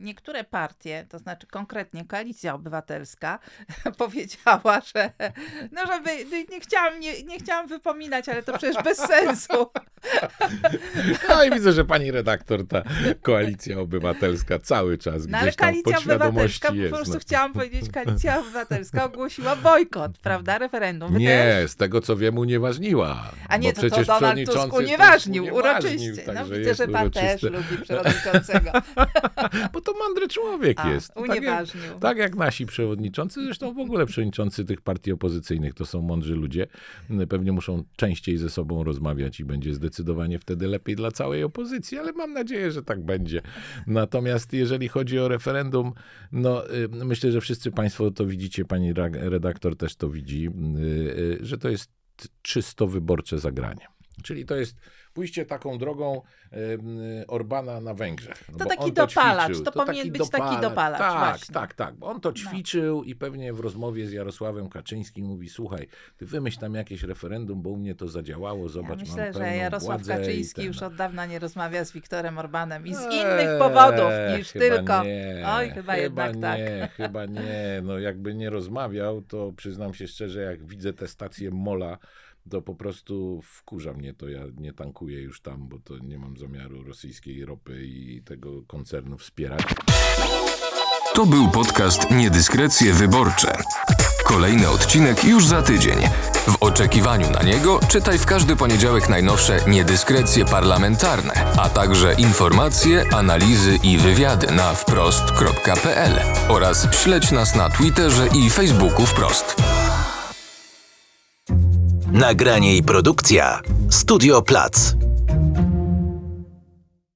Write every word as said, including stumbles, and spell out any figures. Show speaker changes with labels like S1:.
S1: niektóre partie, to znaczy konkretnie Koalicja Obywatelska, powiedziała, że no żeby, nie chciałam, nie, nie chciałam wypominać, ale to przecież bez sensu.
S2: No i widzę, że pani redaktor, ta Koalicja Obywatelska cały czas
S1: No ale
S2: gdzieś tam
S1: Koalicja Obywatelska,
S2: jest.
S1: po prostu
S2: no.
S1: chciałam powiedzieć, Koalicja Obywatelska ogłosiła bojkot, prawda, referendum. Wy
S2: Nie,
S1: też?
S2: z tego co wiem unieważniła.
S1: A nie,
S2: bo
S1: to, to
S2: przecież
S1: Donald Tusk
S2: przewodniczący
S1: unieważnił,
S2: Tusk
S1: uroczyście. No
S2: także
S1: widzę,
S2: jest
S1: że pan też
S2: uroczyste.
S1: lubi przewodniczącego.
S2: Bo to mądry człowiek
S1: A,
S2: jest. Tak jak,
S1: unieważnił.
S2: tak jak nasi przewodniczący, zresztą w ogóle przewodniczący tych partii opozycyjnych to są mądrzy ludzie. Pewnie muszą częściej ze sobą rozmawiać i będzie zdecydowanie wtedy lepiej dla całej opozycji, ale mam nadzieję, że tak będzie. Natomiast jeżeli chodzi o referendum, no y, myślę, że wszyscy państwo to widzicie, pani redaktor też to widzi, y, y, że to jest czysto wyborcze zagranie. Czyli to jest pójście taką drogą y, Orbana na Węgrzech. No
S1: To
S2: bo
S1: taki
S2: on
S1: dopalacz,
S2: ćwiczył.
S1: to powinien być taki dopalacz,
S2: Tak,
S1: właśnie.
S2: tak, tak. Bo on to ćwiczył i pewnie w rozmowie z Jarosławem Kaczyńskim mówi, słuchaj, ty wymyśl tam jakieś referendum, bo u mnie to zadziałało, zobacz,
S1: Ja myślę,
S2: mam
S1: że
S2: pełną
S1: Jarosław
S2: władzę
S1: Kaczyński
S2: i
S1: już
S2: ten...
S1: od dawna nie rozmawia z Wiktorem Orbanem i z
S2: Eee,
S1: innych powodów niż
S2: chyba
S1: tylko...
S2: Nie,
S1: Oj, chyba,
S2: chyba
S1: jednak
S2: nie,
S1: tak.
S2: Chyba nie. No jakby nie rozmawiał, to przyznam się szczerze, jak widzę tę stację Mola, to po prostu wkurza mnie to. Ja nie tankuję już tam, bo to nie mam zamiaru rosyjskiej ropy i tego koncernu wspierać.
S3: To był podcast Niedyskrecje Wyborcze. Kolejny odcinek już za tydzień. W oczekiwaniu na niego czytaj w każdy poniedziałek najnowsze niedyskrecje parlamentarne, a także informacje, analizy i wywiady na wprost kropka pe el oraz śledź nas na Twitterze i Facebooku Wprost.
S4: Nagranie i produkcja Studio Plac.